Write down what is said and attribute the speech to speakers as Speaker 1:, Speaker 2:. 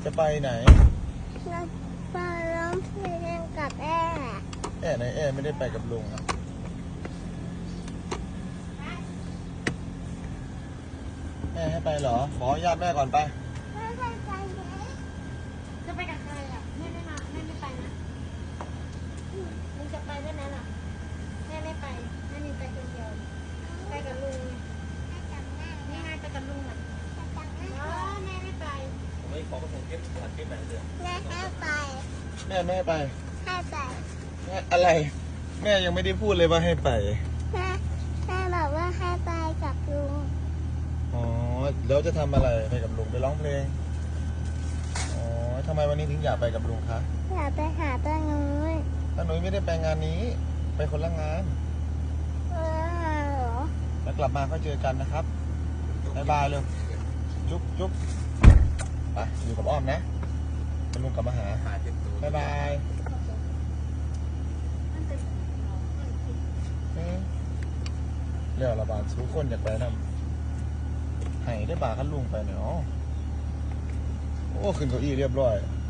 Speaker 1: จะไปไหน
Speaker 2: เราไปร้องเพลงกับแอ่
Speaker 1: ไหนไม่ได้ไปกับลุงอะให้ไปเหรอขออนุญาตแม่ก่อนไป
Speaker 2: ไม่ไปไหน
Speaker 3: จะไปกับใครอ่ะแม่ไม่มาแม่ไม่ไปนะมึงจะไปด้วยนะล่ะแม่ไม่ไปแม่มีไปคนเดียวไปกับลุงนี่ไงไปกับลุงอ่ะแม่ไม่ไป
Speaker 1: ไม่ขอมาส่งคลิปถ่ายคลิปไหนเถอะ
Speaker 2: แม่ให้ไป
Speaker 1: แม่ไม่ให้ไป
Speaker 2: ให้ไป
Speaker 1: แม่อะไรแม่ยังไม่ได้พูดเลยว่าให้ไป
Speaker 2: แม่บอกว่าให้ไปกับลุง
Speaker 1: อ๋อแล้วจะทำอะไรไปกับลุงไปร้องเพลงอ๋อทำไมวันนี้ถึงอยากไปกับลุงคะ
Speaker 2: อยากไปหาป้านุ้ย
Speaker 1: ป้าหนุ่ยไม่ได้ไปงานนี้ไปคนละงาน
Speaker 2: เหรอ
Speaker 1: แล้วกลับมาก็เจอกันนะครับบ๊ายบายเลยจุ๊บจุ๊บไปอยู่กับอ้อมนะเป็นลุงกลับมาหาบ๊ายบายเรียกระบาดสู้คนอยากไปนำให้ได้บาขั้นลุงไปเนาะโอ้ขึ้นเก้าอี้เรียบร้อย